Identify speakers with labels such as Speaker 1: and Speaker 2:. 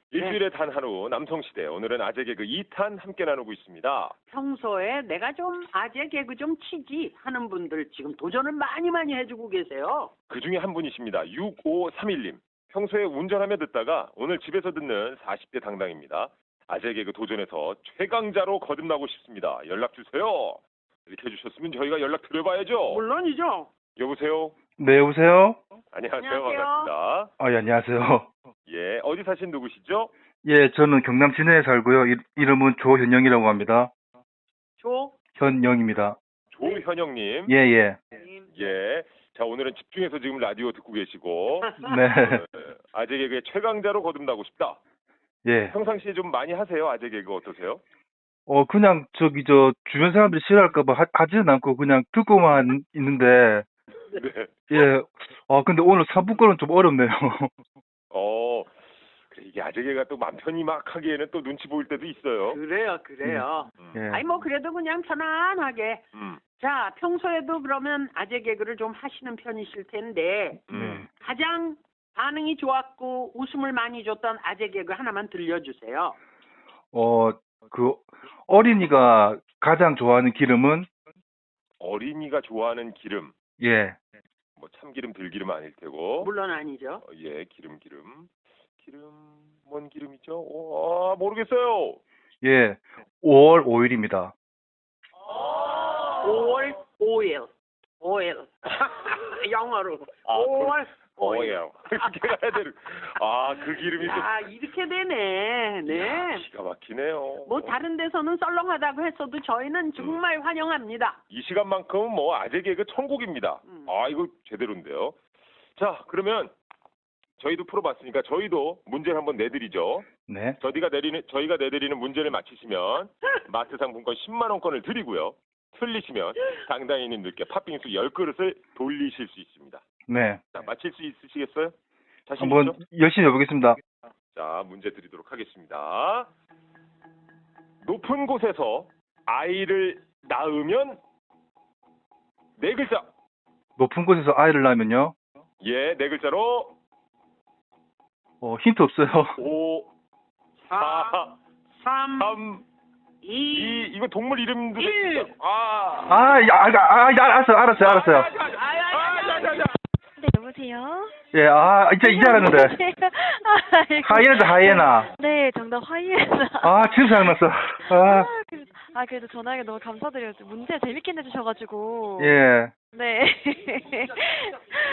Speaker 1: 일주일에 단 하루 남성시대 오늘은 아재 개그 2탄 함께 나누고 있습니다.
Speaker 2: 평소에 내가 좀 아재 개그 좀 치지 하는 분들 지금 도전을 많이 해주고 계세요.
Speaker 1: 그중에 한 분이십니다. 6531님. 평소에 운전하며 듣다가 오늘 집에서 듣는 40대 당당입니다. 아재 개그 도전에서 최강자로 거듭나고 싶습니다. 연락주세요. 이렇게 해주셨으면 저희가 연락 드려봐야죠.
Speaker 2: 물론이죠.
Speaker 1: 여보세요?
Speaker 3: 네, 여보세요?
Speaker 1: 안녕하세요.
Speaker 2: 안녕하세요.
Speaker 1: 반갑습니다.
Speaker 3: 예, 안녕하세요.
Speaker 1: 예, 어디 사신 누구시죠?
Speaker 3: 예, 저는 경남 진해에 살고요. 이름은 조현영이라고 합니다. 현영입니다.
Speaker 1: 조현영님.
Speaker 3: 예, 예.
Speaker 1: 예. 자, 오늘은 집중해서 지금 라디오 듣고 계시고
Speaker 3: 네.
Speaker 1: 아재 개그의 최강자로 거듭나고 싶다.
Speaker 3: 예.
Speaker 1: 평상시에 좀 많이 하세요? 아재 개그 어떠세요?
Speaker 3: 그냥 주변 사람들이 싫어할까봐 하지는 않고 그냥 듣고만 있는데,
Speaker 1: 네.
Speaker 3: 예. 근데 오늘 3부 거는 좀 어렵네요.
Speaker 1: 그래, 이게 아재 개그가 또 맘 편히 막 하기에는 또 눈치 보일 때도 있어요.
Speaker 2: 그래요.
Speaker 3: 예.
Speaker 2: 아니 뭐 그래도 그냥 편안하게. 자, 평소에도 그러면 아재 개그를 좀 하시는 편이실 텐데 가장 반응이 좋았고 웃음을 많이 줬던 아재 개그 하나만 들려주세요.
Speaker 3: 어린이가 가장 좋아하는 기름은,
Speaker 1: 어린이가 좋아하는 기름.
Speaker 3: 예.
Speaker 1: 뭐 참기름, 들기름 아닐 테고.
Speaker 2: 물론 아니죠.
Speaker 1: 예, 기름. 뭔 기름이죠? 모르겠어요.
Speaker 3: 예. 5월 5일입니다.
Speaker 2: 5월 5일. 영어로. 5월 5일.
Speaker 1: 그렇게 가야 되는. 그 기름이
Speaker 2: 야, 이렇게 되네.
Speaker 1: 또.
Speaker 2: 네.
Speaker 1: 야, 기가 막히네요.
Speaker 2: 뭐 다른 데서는 썰렁하다고 했어도 저희는 정말 환영합니다.
Speaker 1: 이 시간만큼은 뭐 아재 개그 천국입니다. 이거 제대로인데요. 자, 그러면 저희도 풀어봤으니까 저희도 문제를 한번 내드리죠.
Speaker 3: 네.
Speaker 1: 저희가 내드리는 문제를 맞히시면 마트 상품권 10만 원권을 드리고요. 틀리시면 당당히님들께 팥빙수 10그릇을 돌리실 수 있습니다.
Speaker 3: 네.
Speaker 1: 자, 맞힐 수 있으시겠어요? 자신
Speaker 3: 한번
Speaker 1: 있죠?
Speaker 3: 열심히 해보겠습니다.
Speaker 1: 자, 문제 드리도록 하겠습니다. 높은 곳에서 아이를 낳으면 네 글자.
Speaker 3: 높은 곳에서 아이를 낳으면요.
Speaker 1: 예, 네 글자로
Speaker 3: 힌트 없어요.
Speaker 1: 5, 4,
Speaker 2: 3,
Speaker 1: 3,
Speaker 2: 2,
Speaker 1: 이거 동물 이름도
Speaker 2: 1.
Speaker 3: 알았어요.
Speaker 4: 네, 여보세요?
Speaker 3: 예, 이제 알았는데. 하이에나다, 하이에나.
Speaker 4: 네, 정답 하이에나.
Speaker 3: 지금 생각났어.
Speaker 4: 그래도 전화하기 너무 감사드려요. 문제 재밌게 내주셔가지고.
Speaker 3: 예.
Speaker 4: 네.